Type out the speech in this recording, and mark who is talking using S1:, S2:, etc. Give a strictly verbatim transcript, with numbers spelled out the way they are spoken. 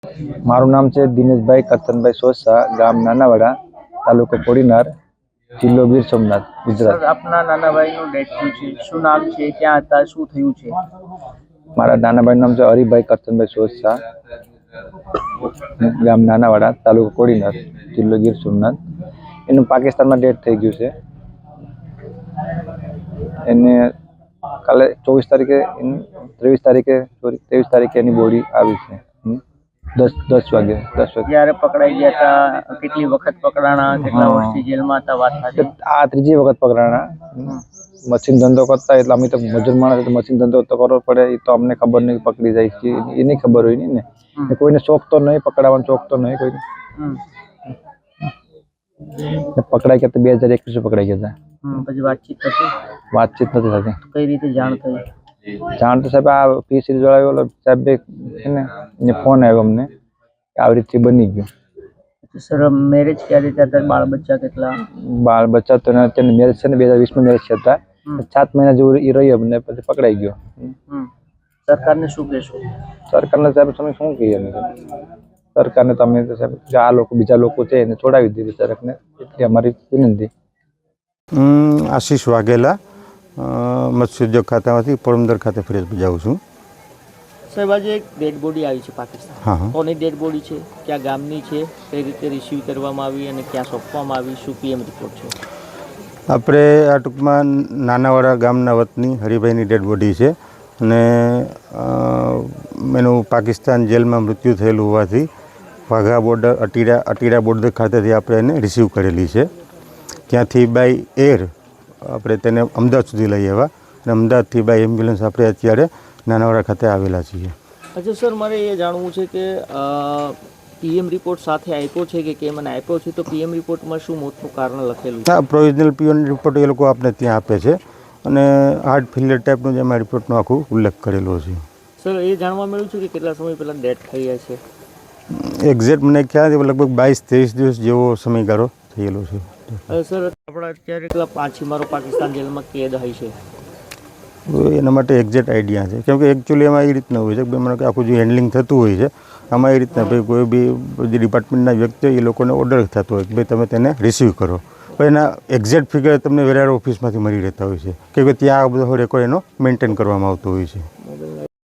S1: મારું નામ છે દિનેશભાઈ કરતનભાઈ સોસા, ગામ નાનાવાડા, તાલુકો કોડીનાર, જિલ્લો ગીર સોમનાથ, ગુજરાત।
S2: સર, આપના નાના ભાઈનું ડેથ થયું છે, શું નામ છે, ક્યાં હતા, શું થયું છે?
S1: મારા નાના ભાઈનું નામ છે હરિભાઈ કરતનભાઈ સોસા, ગામ નાનાવાડા, તાલુકો કોડીનાર, જિલ્લો ગીર સોમનાથ। એનું પાકિસ્તાનમાં ડેથ થઈ ગયું છે। એને કાલે ચોવીસ તારીખે ત્રેવીસ તારીખે સોરી ત્રેવીસ તારીખે એની બોડી આવી છે। દસ દસ વાગે દસ વાગે
S2: જ્યારે પકડાઈ ગયા હતા, કેટલી વખત પકડાણા, કેટલા વર્ષથી જેલમાં હતા, વાત સાચી?
S1: આ ત્રીજી વખત પકડાણા। મશીન ધંધો કરતા એટલે અમે તો મજૂર માણસ મશીન ધંધો તો કરવો પડે, એ તો અમને ખબર નહીં પકડી જાય છે, એની ખબર હોય નહીં ને। કોઈને શોખ તો નહીં પકડાવાનો, શોખ તો નહીં કોઈને। પકડાઈ ગયા તો બે હજાર એકવીસ પકડાઈ ગયા હતા।
S2: પછી વાતચીત થતી?
S1: વાતચીત નથી થતી।
S2: કઈ રીતે જાણ થઈ?
S1: જાણ તો સાહેબ આ પી સિરીઝ વાળા ઓલો સાહેબ ને ફોન આવ્યો અમને, આવી રીતે બની ગયું।
S2: સર, મેરેજ ક્યારે થયા હતા? બાળ બચ્ચા કેટલા?
S1: બાળ બચ્ચા તો અત્યારે મેરેજ છે ને બે હજાર વીસમાં મેરેજ થયા હતા। સાત મહિના જેવું એ રહ્યો અમને, પછી પકડાઈ ગયો।
S2: સરકારને શું કહેશો?
S1: સરકારને સાહેબ તમે શું કહીએ અમે સરકારને? તમે સાહેબ આ લોકો બીજા લોકો છે એને છોડાવી દે બિચારાને, એટલી અમારી વિનંતી।
S3: હું આશીષ વાઘેલા, મત્સ્ય ઉદ્યોગ ખાતામાંથી પોરબંદર ખાતે ફરજ બજાવું છું।
S2: સાહેબ, આજે એક ડેડ બોડી આવી છે પાકિસ્તાન।
S3: હા,
S2: કોની ડેડ બોડી છે, ક્યાં ગામની છે, કઈ રીતે રિસીવ કરવામાં આવી અને ક્યાં સોંપવામાં આવી, શું પીએમ રિપોર્ટ છે?
S3: આપણે આ ટૂંકમાં નાનાવાડા ગામના વતની હરિભાઈની ડેડ બોડી છે અને એનું પાકિસ્તાન જેલમાં મૃત્યુ થયેલું હોવાથી વાઘા બોર્ડર અટીડા અટીડા બોર્ડર ખાતેથી આપણે એને રિસીવ કરેલી છે। ત્યાંથી બાય એર આપણે તેને અમદાવાદ સુધી લઈ આવ્યા અને અમદાવાદથી બાય એમ્બ્યુલન્સ આપણે અત્યારે નાનાવાડા ખાતે આવેલા છીએ।
S2: અચ્છા સર, મારે એ જાણવું છે કે પીએમ રિપોર્ટ સાથે આપ્યો છે કે કેમ, મને આપ્યો છે તો પીએમ રિપોર્ટમાં શું મોતનું કારણ લખેલું છે?
S3: હા, પ્રોવિઝનલ પીએમ રિપોર્ટ એ લોકો આપણે ત્યાં આપે છે અને હાર્ટ ફેલિયર ટાઈપનું જ એમાં રિપોર્ટનો આખું ઉલ્લેખ કરેલો છે।
S2: સર, એ જાણવા મળ્યું છે કે કેટલા સમય પહેલાં ડેથ થઈ છે?
S3: એક્ઝેક્ટ મને ખ્યાલ છે, લગભગ બાવીસ ત્રેવીસ દિવસ જેવો સમયગાળો થયેલો છે।
S2: સર, આપણા અત્યારે કેટલા પાંચીમારો પાકિસ્તાન જેલમાં કેદ હોય છે?
S3: એના માટે એક્ઝેક્ટ આઈડિયા છે, કેમ કે એકચ્યુઅલી એમાં એ રીતના હોય છે કે મને આખું જે હેન્ડલિંગ થતું હોય છે આમાં એ રીતના ભાઈ કોઈ બી જે ડિપાર્ટમેન્ટના વ્યક્તિ હોય એ લોકોને ઓર્ડર થતો હોય કે ભાઈ તમે તેને રિસીવ કરો, પણ એના એક્ઝેક્ટ ફિગર તમને વેરાર ઓફિસમાંથી મળી રહેતા હોય છે કે ભાઈ ત્યાં આ બધો રેકોર્ડ એનો મેન્ટેન કરવામાં આવતો હોય છે।